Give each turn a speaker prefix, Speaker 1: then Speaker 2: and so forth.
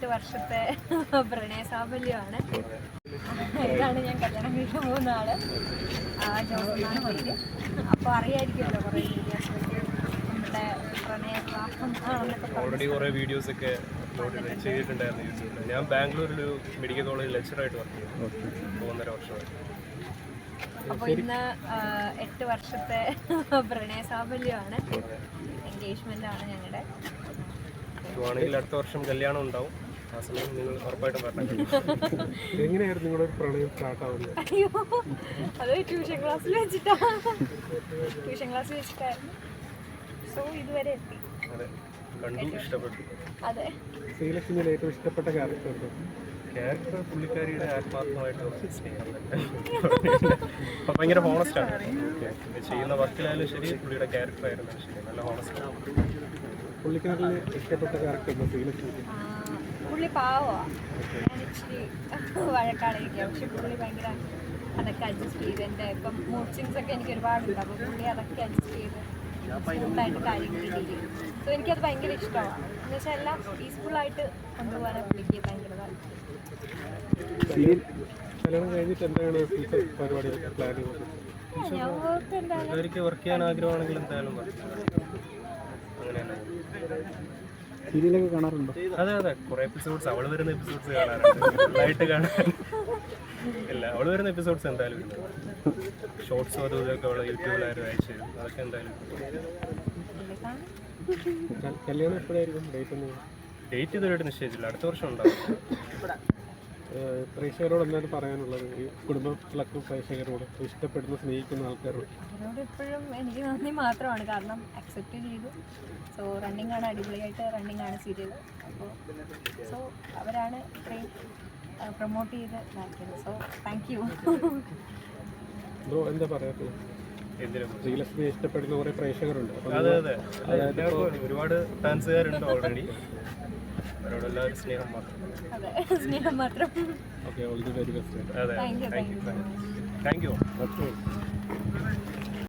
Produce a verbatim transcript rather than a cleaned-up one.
Speaker 1: എട്ട് വർഷത്തെ പ്രണയ സാഫല്യമാണ്. ഇതാണ് ഞാൻ കല്യാണം കഴിക്കാൻ പോകുന്ന ആള്. ജോസഫാണ് പേര്. അപ്പോൾ അറിയായിരിക്കുമല്ലോ കുറേ വീഡിയോസൊക്കെ നമ്മുടെ പ്രണയ വിവാഹം ആണെന്നൊക്കെ
Speaker 2: ഓൾറെഡി കുറേ വീഡിയോസ് ഒക്കെ ചെയ്തിട്ടുണ്ടായിരുന്നു യൂട്യൂബിൽ. ഞാൻ ബാംഗ്ലൂരിലൊരു മെഡിക്കൽ കോളേജിൽ ലെക്ചറായിട്ട് വർക്ക് ചെയ്യുന്നു മൂന്നര വർഷമായി.
Speaker 1: അപ്പോൾ ഇന്ന് എട്ട് വർഷത്തെ പ്രണയ സാഫല്യമാണ്. എൻഗേജ്മെന്റ് ആണ് ഞങ്ങളുടെ.
Speaker 2: ആണെങ്കിൽ അടുത്ത വർഷം കല്യാണം ഉണ്ടാവും. ആ സമയം നിങ്ങൾ ഉറപ്പായിട്ടും പറഞ്ഞു.
Speaker 3: എങ്ങനെയായിരുന്നു നിങ്ങളുടെ പ്രണയം സ്റ്റാർട്ട് ആവുന്നത്?
Speaker 1: അയ്യോ, അത് ട്യൂഷൻ ക്ലാസ്സിൽ വെച്ചിട്ടാ ട്യൂഷൻ ക്ലാസ്സിൽ വെച്ചിട്ടായിരുന്നു. സോ ഇതുവരെ എത്തി.
Speaker 2: അതെ, കണ്ടു, ഇഷ്ടപ്പെട്ടു.
Speaker 1: അതെ.
Speaker 3: ശ്രീലക്ഷ്മിയിൽ ഏറ്റവും ഇഷ്ടപ്പെട്ട ക്യാരക്ടർ ഉണ്ട്?
Speaker 2: ക്യാരക്ടർ പുള്ളിക്കാരിയുടെ ആത്മാർത്ഥമായിട്ട് സ്നേഹം തന്നെ. അപ്പം ഭയങ്കര ഹോണസ്റ്റാണ്. ചെയ്യുന്ന വർക്കിലായാലും ശരി, പുള്ളിയുടെ ക്യാരക്ടർ ആയിരുന്നു ശരി, നല്ല ഹോണസ്റ്റാണ്.
Speaker 3: പുള്ളിക്കാരിൽ ഇഷ്ടപ്പെട്ട ക്യാരക്ടർ ഉണ്ട് ശ്രീലക്ഷ്മിക്ക്?
Speaker 1: പുള്ളി പാവമാണ്. ഞാൻ ഇച്ചിരി വഴക്കാളിരിക്കുക. പക്ഷെ പുള്ളി ഭയങ്കര അതൊക്കെ അഡ്ജസ്റ്റ് ചെയ്ത് എൻ്റെ ഇപ്പം മൂഡ് സ്വിങ്സ് ഒക്കെ എനിക്ക് ഒരുപാടുണ്ട്. അപ്പോൾ പുള്ളി അതൊക്കെ അഡ്ജസ്റ്റ് ചെയ്ത് സ്മൂത്തായിട്ട് കാര്യങ്ങൾ ഡീൽ ചെയ്യും. സോ എനിക്കത് ഭയങ്കര ഇഷ്ടമാണ്. എന്ന് വെച്ചാൽ എല്ലാം പീസ്ഫുള്ളായിട്ട് കൊണ്ടുപോകാനാണ് പുള്ളിക്ക് ഭയങ്കര താല്പര്യം.
Speaker 3: കല്യാണം കഴിഞ്ഞിട്ട് എന്താണ് ഫ്യൂച്ചർ പരിപാടി പ്ലാനിങ്?
Speaker 1: ഞങ്ങൾക്ക് എന്തായാലും
Speaker 2: വർക്ക് ചെയ്യാൻ ആഗ്രഹമാണെങ്കിൽ എന്തായാലും അങ്ങനെയാണ്.
Speaker 3: സീരിയലൊക്കെ കാണാറുണ്ടോ?
Speaker 2: അതെ അതെ, കുറെ എപ്പിസോഡ്സ് അവൾ വരുന്ന എപ്പിസോഡ്സ് കാണാറുണ്ട്. ലൈറ്റ് കാണാൻ ഇല്ല, അവൾ വരുന്ന എപ്പിസോഡ്സ് എന്തായാലും ഉണ്ട്. ഷോർട്സും അതും ഇതൊക്കെ അവൾ യൂട്യൂബിലായിരുന്നു അയച്ചു തരും. അതൊക്കെ എന്തായാലും
Speaker 3: കല്യാണം എപ്പോഴായിരിക്കും? ഡേറ്റ് ഒന്നും
Speaker 2: ഡേറ്റ് ഇതുവരെയായിട്ട് നിശ്ചയിച്ചില്ല. അടുത്ത വർഷം ഉണ്ടാവും.
Speaker 3: പ്രേക്ഷകരോട് എന്താണ് പറയാനുള്ളത്? ഈ കുടുംബത്തിലൊക്കെ പ്രേക്ഷകരോട് ഇഷ്ടപ്പെടുന്ന സ്നേഹിക്കുന്ന ആൾക്കാരോട്
Speaker 1: അവരോട് എപ്പോഴും എനിക്ക് നന്ദി മാത്രമാണ്. കാരണം അക്സെപ്റ്റ് ചെയ്തു. സോ റണ്ണിങ് ആണ്, അടിപൊളിയായിട്ട് റണ്ണിങ് ആണ് സീരിയൽ. അപ്പോൾ സോ അവരാണ് ഇത്രയും പ്രൊമോട്ട് ചെയ്ത് ഇതാക്കിയത്. So thank you.
Speaker 3: ബ്രോ എന്താ പറയാത്തത്? ശ്രീലക്ഷ്മിയെ ഇഷ്ടപ്പെടുന്ന കുറേ പ്രേക്ഷകരുണ്ട്.
Speaker 2: അതെ അതെ, ഒരുപാട് ഫാൻസുകാരുണ്ട് ഓൾറെഡി. അവരോടെല്ലാവരും സ്നേഹം മാത്രം.
Speaker 1: അതെ, സ്നേഹം മാത്രം.
Speaker 3: Okay, all the very best.
Speaker 2: അതെ,
Speaker 1: thank you.
Speaker 2: Thank you. Thank U.